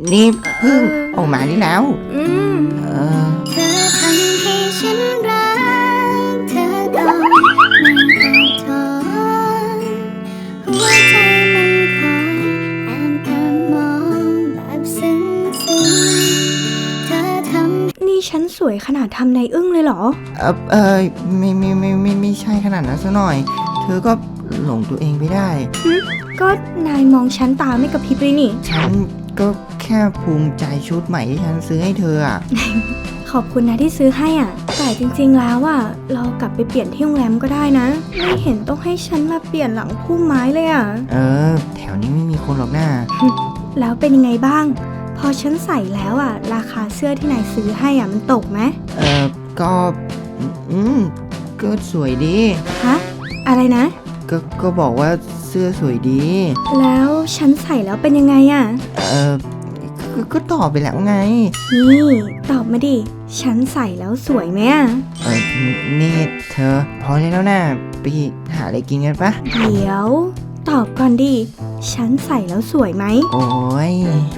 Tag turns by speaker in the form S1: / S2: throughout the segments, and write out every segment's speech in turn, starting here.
S1: นี่พึ่งออกมาได้แล้วเออ
S2: เธอทำให้ฉันรักเธอก่อนไม่ต้องทนหัวใจมันคอยแอบมองแบบซึ้งเธอทำนี่ฉันสวยขนาดทำในอึ้งเลยเหรอ
S1: ไม่ใช่ขนาดนั้นซะหน่อยเธอก็หลงตัวเองไปได้
S2: ก็นายมองฉันตาไม่กระพริบเลยนี่
S1: ฉันก็แค่ภูมิใจชุดใหม่ที่ฉันซื้อให้เธออ่ะ
S2: ขอบคุณนะที่ซื้อให้อ่ะแต่จริงๆแล้วอ่ะเรากลับไปเปลี่ยนที่โรงแรมก็ได้นะไม่เห็นต้องให้ฉันมาเปลี่ยนหลังพุ่มไม้เลยอ่ะ
S1: แถวนี้ไม่มีคนหรอกนะ
S2: แล้วเป็นยังไงบ้างพอฉันใส่แล้วอ่ะราคาเสื้อที่นายซื้อให้อ่ะมันตกไหม
S1: ก็ก็สวยดี
S2: ฮะอะไรนะ
S1: ก็บอกว่าเสื้อสวยดี
S2: แล้วฉันใส่แล้วเป็นยังไงอ่ะ
S1: ก็ตอบไปแล้วไง
S2: นี่ตอบมาดิฉันใส่แล้วสวยไหมอ่ะ
S1: นี่เธอพอแล้วนะไปหาอะไรกินกันปะ
S2: เดี๋ยวตอบก่อนดิฉันใส่แล้วสวยไหม
S1: โอ้ย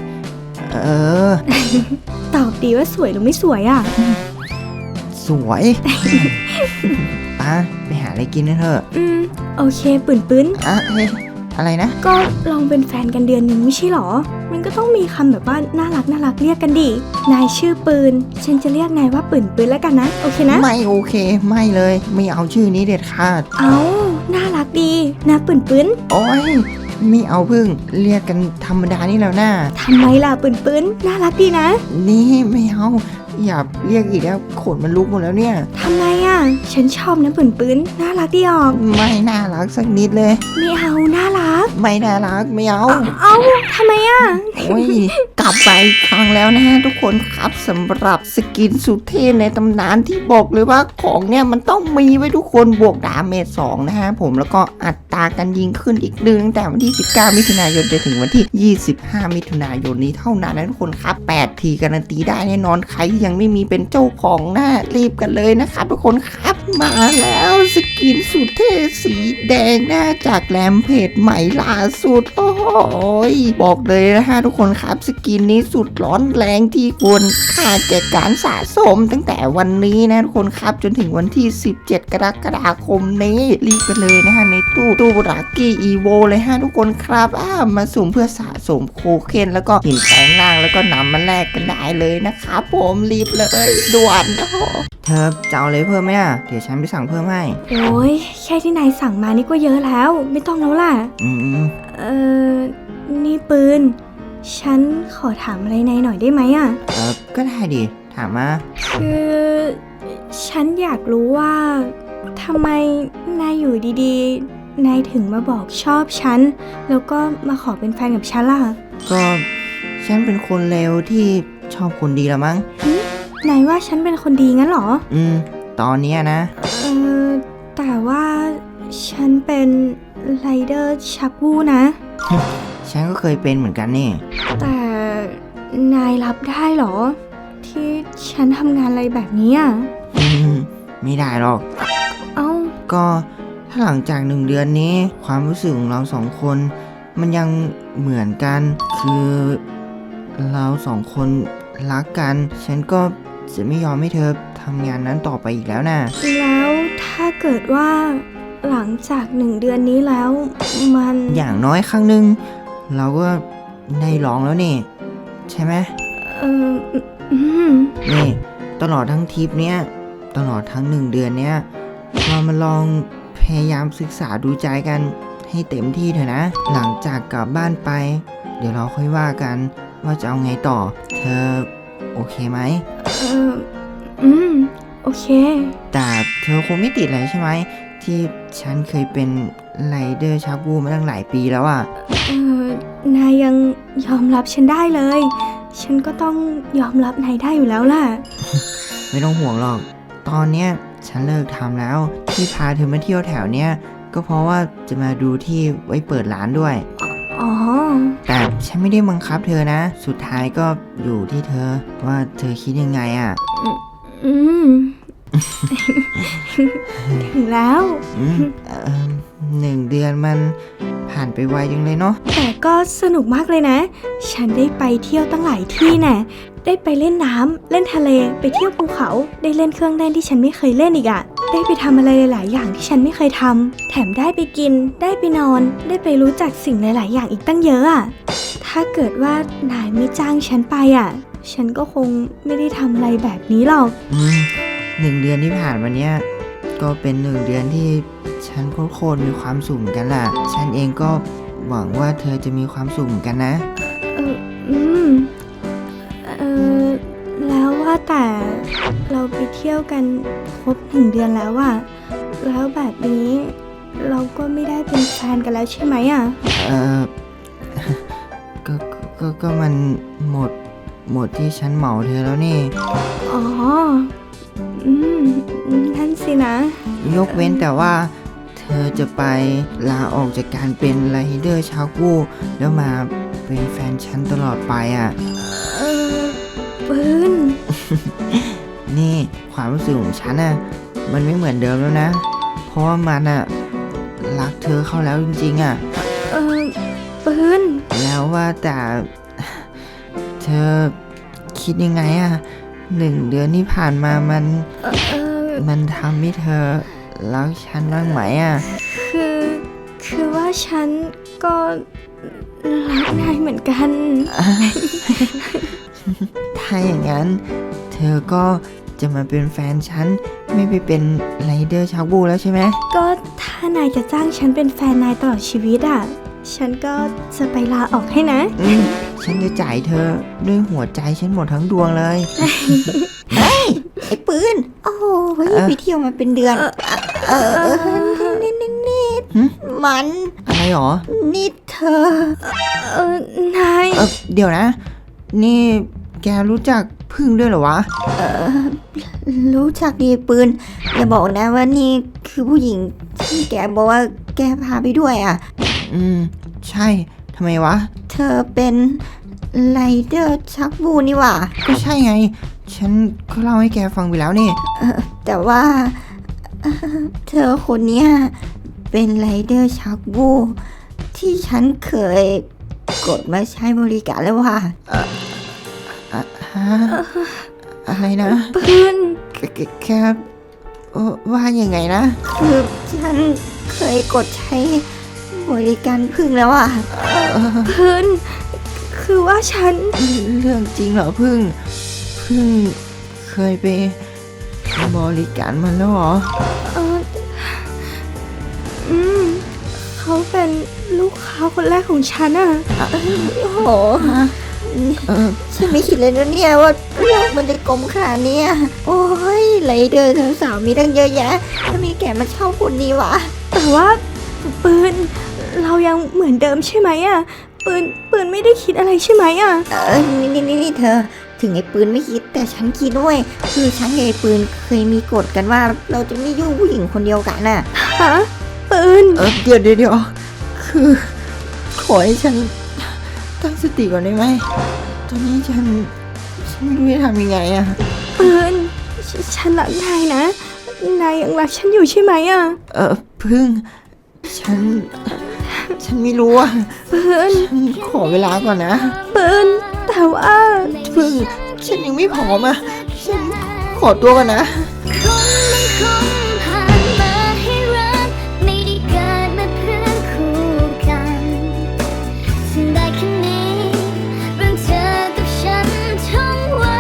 S2: ตอบดีว่าสวยหรือไม่สวยอ่ะ
S1: สวยป้าไปหาอะไรกินกันเถอะ
S2: โอเคปื้น
S1: เฮ้ยอะไรนะ
S2: ก็ลองเป็นแฟนกันเดือนหนึ่งไม่ใช่หรอมันก็ต้องมีคำแบบว่าน่ารักเรียกกันดินายชื่อปืนฉันจะเรียกนายว่าปืนแล้วกันนะโอเคนะ
S1: ไม่โอเคไม่เลยไม่เอาชื่อนี้เด็ดขาด
S2: เอาน่ารักดีนะปืน
S1: โอ้ยไม่เอาพึ่งเรียกกันธรรมดานี่แล้วนะ
S2: ทำไมล่ะปืนน่ารักดีนะ
S1: นี่ไม่เอาอย่าเรียกอีกแล้วขนมันลุกหมดแล้วเนี่ย
S2: ทำไมอ่ะฉันชอบนะปืนน่ารักดีออก
S1: ไม่น่ารักสักนิดเลย
S2: ไม่เอาน่ารัก
S1: ไม่น่ารักไม่เอา
S2: ทำไมอ่ะ
S1: โอ้ยกลับไปครั้งแล้วนะฮะทุกคนครับสำหรับสกินสุดเท่ในตำนานที่บอกเลยว่าของเนี่ยมันต้องมีไว้ทุกคนบวกดาเมจ2นะฮะผมแล้วก็อัตราการยิงขึ้นอีก1ตั้งแต่วันที่19มิถุนายนจนถึงวันที่25มิถุนายนนี้เท่านั้นนะทุกคนครับ8ทีการันตีได้แน่นอนใครยังไม่มีเป็นเจ้าของนะรีบกันเลยนะครับทุกคนครับมาแล้วสกินสุดเท่สีแดงนะจากแรมเพจใหม่ล่าสุดโอ้ยบอกเลยนะฮะทุกคนครับสกินนี้สุดร้อนแรงที่ควรค่าแก่การสะสมตั้งแต่วันนี้นะทุกคนครับจนถึงวันที่17กรกฎาคมนี้รีบกันเลยนะฮะในตู้รากี้อีโวเลยฮะทุกคนครับมาสุ่มเพื่อสะสมโคเคนแล้วก็หินแปลงร่างแล้วก็นำมาแลกกันได้เลยนะครับผมรีบเลยด่วนเธอจะเอาอะไรเพิ่มไหมอ่ะเดี๋ยวฉันไปสั่งเพิ่มให้
S2: โอ้ยแค่ที่นายสั่งมานี่ก็เยอะแล้วไม่ต้องแล้วล่ะนี่ปืนฉันขอถามอะไรนายหน่อยได้ไหมอ่ะ
S1: ก็ได้ดิถามมา
S2: คือฉันอยากรู้ว่าทำไมนายอยู่ดีๆนายถึงมาบอกชอบฉันแล้วก็มาขอเป็นแฟนกับฉันล่ะ
S1: ก็ฉันเป็นคนเลวที่ชอบคนดีละมั้ง
S2: นายว่าฉันเป็นคนดีงั้นเหรอ
S1: ตอนนี้นะ
S2: แต่ว่าฉันเป็นไรเดอร์ชักวูนะ
S1: ฉันก็เคยเป็นเหมือนกันนี่
S2: แต่นายรับได้เหรอที่ฉันทำงานอะไรแบบนี้อ่ะ
S1: ไม่ได้หรอกก็ถ้าหลังจาก1 เดือนนี้ความรู้สึกของเรา2 คนมันยังเหมือนกันคือเรา2 คนรักกันฉันก็จะไม่ยอมให้เธอทำงานนั้นต่อไปอีกแล้วนะ
S2: แล้วถ้าเกิดว่าหลังจาก1 เดือนนี้แล้วมัน
S1: อย่างน้อยครั้งหนึ่งเราก็ได้ลองแล้วนี่ใช่ไหมนี่ตลอดทั้งทริปเนี้ยตลอดทั้ง1 เดือนเนี้ยเรามาลองพยายามศึกษาดูใจกันให้เต็มที่เถอะนะหลังจากกลับบ้านไปเดี๋ยวเราค่อยว่ากันว่าจะเอาไงต่อเธอโอเคไหม
S2: โอเค
S1: แต่เธอคงไม่ติดอะไรใช่ไหมที่ฉันเคยเป็นไรเดอร์ชักวูมาตั้งหลายปีแล้วอ่ะ
S2: นายยังยอมรับฉันได้เลยฉันก็ต้องยอมรับนายได้อยู่แล้วล่ะ
S1: ไม่ต้องห่วงหรอกตอนเนี้ยฉันเลิกทำแล้วที่พาเธอมาเที่ยวแถวเนี้ยก็เพราะว่าจะมาดูที่ไว้เปิดร้านด้วยแต่ฉันไม่ได้บังคับเธอนะสุดท้ายก็อยู่ที่เธอว่าเธอคิดยังไงอ่ะ
S2: ถึงแล้ว
S1: 1 เดือนมันผ่านไปไวจังเลยเนาะ
S3: แต่ก็สนุกมากเลยนะ ฉันได้ไปเที่ยวตั้งหลายที่แน่ได้ไปเล่นน้ำเล่นทะเลไปเที่ยวภูเขาได้เล่นเครื่องเล่นที่ฉันไม่เคยเล่นอีกอะได้ไปทำอะไรหลายๆอย่างที่ฉันไม่เคยทำแถมได้ไปกินได้ไปนอนได้ไปรู้จักสิ่งหลายๆอย่างอีกตั้งเยอะอะถ้าเกิดว่านายไม่จ้างฉันไปอะฉันก็คงไม่ได้ทำอะไรแบบนี้หรอก
S1: 1 เดือนที่ผ่านมาเนี้ยก็เป็น 1 เดือนที่ฉันโคตรมีความสุขเหมือนกันล่ะ ฉันเองก็หวังว่าเธอจะมีความสุขเหมือนกันนะ
S3: เอออืมเออแล้วว่าแต่เราไปเที่ยวกันครบ1 เดือนแล้วอะแล้วแบบนี้เราก็ไม่ได้เป็นแฟนกันแล้วใช่ไหมอะ
S1: เออ ก็มันหมดที่ฉันเหมาเธอแล้วนี่
S3: อ๋ออืมนั่นสินะ
S1: ยกเว้นแต่ว่าเธอจะไปลาออกจากการเป็นไรเดอร์ชาวกูแล้วมาเป็นแฟนฉันตลอดไปอ่ะ
S3: เออปืน
S1: นี่ความรู้สึกของฉันอ่ะมันไม่เหมือนเดิมแล้วนะ เพราะว่ามันอ่ะรักเธอเข้าแล้วจริงๆอ่ะ
S3: เออปืน
S1: แล้วว่าแต่เธอคิดยังไงอ่ะ1 เดือนที่ผ่านมามันทำให้เธอรักฉันบ้างไหมอ่ะ
S3: คือว่าฉันก็รักนายเหมือนกัน
S1: ถ้าอย่างนั้นเธอก็จะมาเป็นแฟนฉันไม่ไปเป็นไรเดอร์ชาวบูแล้วใช่ไหม
S3: ก็ถ้านายจะจ้างฉันเป็นแฟนนายตลอดชีวิตอ่ะ ฉันก็จะไปลาออกให้นะ
S1: ฉันจะจ่ายเธอด้วยหัวใจฉันหมดทั้งดวงเลย
S2: ไอ้ปืน โอ้โหไปเที่ยวมาเป็นเดือน นี่
S1: หึ
S2: มัน
S1: อะไรหรอ
S2: นี่เธอ
S3: นาย
S1: เดี๋ยวนะ นี่แกรู้จักพึ่งด้วยเหรอวะ
S2: รู้จักดีปืน อย่าบอกนะว่านี่คือผู้หญิงที่แกบอกว่าแกพาไปด้วยอ่ะ
S1: ใช่ทำไมวะ
S2: เธอเป็นไรเดอร์ชักบูนี่หว่า
S1: ก็ใช่ไง ฉันก็เล่าให้แกฟังไปแล้วนี่
S2: แต่ว่าเธอคนเนี้ยเป็นไรเดอร์ชักบูที่ฉันเคยกดมาใช้บริการแล้วว่า
S1: อะไรนะ
S3: ปืน
S1: แกว่ายังไงนะ
S2: คือฉันเคยกดใช้บริการพึ่งแล้วอ่ะ
S3: ปืน คือว่าฉัน
S1: เรื่องจริงเหรอพึ่งเคยไปบริการมันแล้วเหรอ
S3: เอออืม เขาเป็นลูกค้าคนแรกของฉันอะ
S2: โอ้โห
S1: เออ
S2: ฉันไม่คิดเลยนะเนี่ยว่าโลกมันจะกลมขนาดเนี้ยโอ้ยไรเดอร์สาวๆมีตั้งเยอะแยะถ้ามีแกมาเช่าคนนี้วะ
S3: แต่ว่าปืน เรายังเหมือนเดิมใช่ไหมอะปืนไม่ได้คิดอะไรใช่ไหมอะ
S2: นี่เธอ ถึงไอ้ปืนไม่คิดแต่ฉันคิดด้วยคือฉันกับไอ้ปืนเคยมีกฎกันว่าเราจะไม่ยุ่งผู้หญิงคนเดียวกันน่ะ
S3: ฮะปืน
S1: เดี๋ยวคือขอให้ฉันตั้งสติก่อนได้ไหมตอนนี้ฉันไม่รู้จะทำยังไงอะ
S3: ปืน ฉันรักนายนะ นายยังรักฉันอยู่ใช่ไหมอะ
S1: พึ่งฉันไม่รู้อะ
S3: ปืน
S1: ฉันขอเวลาก่อนนะ
S3: ปืน แต่ว่า
S1: พึ่งฉันยังไม่พร้อมอะฉันขอตัวก่อนนะ
S2: คนผ่านมาให้รักไม่ได้เกิดมาเพื่อคู่กันสิ่งใดแค่นี้เรื่องเธอกับฉันท่องไว้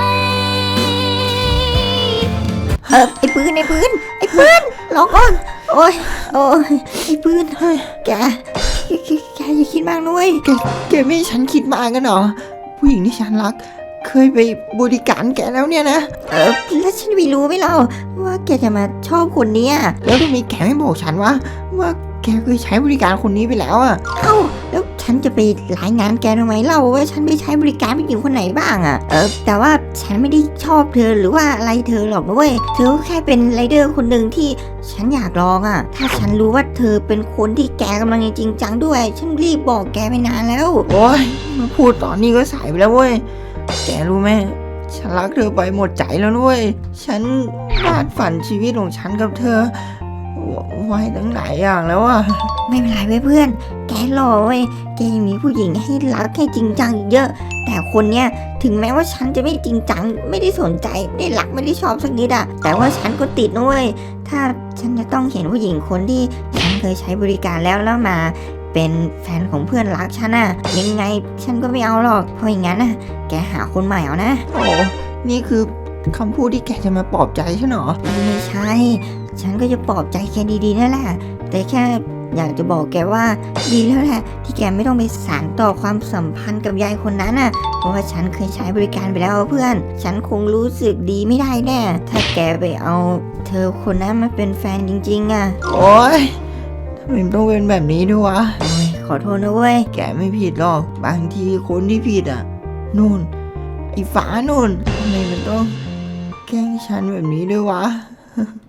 S2: ไอ้ปืนรอก่อนโอ้ยไอ้ปืนแกอย่าคิดมากนุ้ย
S1: แกไม่ให้ฉันคิดมากันเหรอผู้หญิงที่ฉันรัก เคยไปบริการแกแล้วเนี่ยนะ
S2: แล้วฉันไม่รู้ไหมเราว่าแกจะมาชอบคนเนี้ย
S1: แล้วทำไมแกไม่บอกฉันว่าแกเคยใช้บริการคนนี้ไปแล้วอะ
S2: เอ้าแล้วฉันจะไปรายงานแกทำไมเล่าว่าฉันไปใช้บริการผู้หญิงคนไหนบ้างอะแต่ว่าฉันไม่ได้ชอบเธอหรือว่าอะไรเธอหรอกนะเว้ยเธอก็แค่เป็นไรเดอร์คนหนึ่งที่ฉันอยากลองอะถ้าฉันรู้ว่าเธอเป็นคนที่แกกำลังจริงจังด้วย ฉันรีบบอกแกไปนานแล้ว
S1: โอ้ยมาพูดตอนนี้ก็สายไปแล้วเว้ยแกรู้ไหมฉันรักเธอไปหมดใจแล้วด้วยฉันวาดฝันชีวิตของฉันกับเธอไว้ตั้งหลายอย่างแล้วอะ
S4: ไม่เป็นไรเว้ยเพื่อน แกหล่อเว้ย แกยังมีผู้หญิงให้รักให้จริงจังอีกเยอะ แต่คนเนี้ยถึงแม้ว่าฉันจะไม่จริงจัง ไม่ได้สนใจไม่ได้รักไม่ได้ชอบสักนิดอะแต่ว่าฉันก็ติดนะเว้ย ถ้าฉันจะต้องเห็นผู้หญิงคนที่ฉันเคยใช้บริการแล้วมา เป็นแฟนของเพื่อนรักฉันอะยังไงฉันก็ไม่เอาหรอก เพราะอย่างนั้นนะแกหาคนใหม่เอานะ
S1: โอ้นี่คือคำพูดที่แกจะมาปลอบใจฉันเหรอ
S4: ไม่ใช่ ฉันก็จะปลอบใจแกดีๆนั่นแหละ แต่แค่อยากจะบอกแกว่าดีแล้วแหละที่แกไม่ต้องไปสานต่อความสัมพันธ์กับยายคนนั้นน่ะ เพราะว่าฉันเคยใช้บริการไปแล้วเพื่อน ฉันคงรู้สึกดีไม่ได้แน่ ถ้าแกไปเอาเธอคนนั้นมาเป็นแฟนจริงๆอ่ะ
S1: โอ๊ยทำไมมันต้องเป็นแบบนี้ด้วยวะ
S4: โอ้ยขอโทษนะเว้ย
S1: แกไม่ผิดหรอก บางทีคนที่ผิดอ่ะ นู่น ไอ้ฟ้านู่นทำไมมันต้องแกล้งฉันแบบนี้ด้วยวะ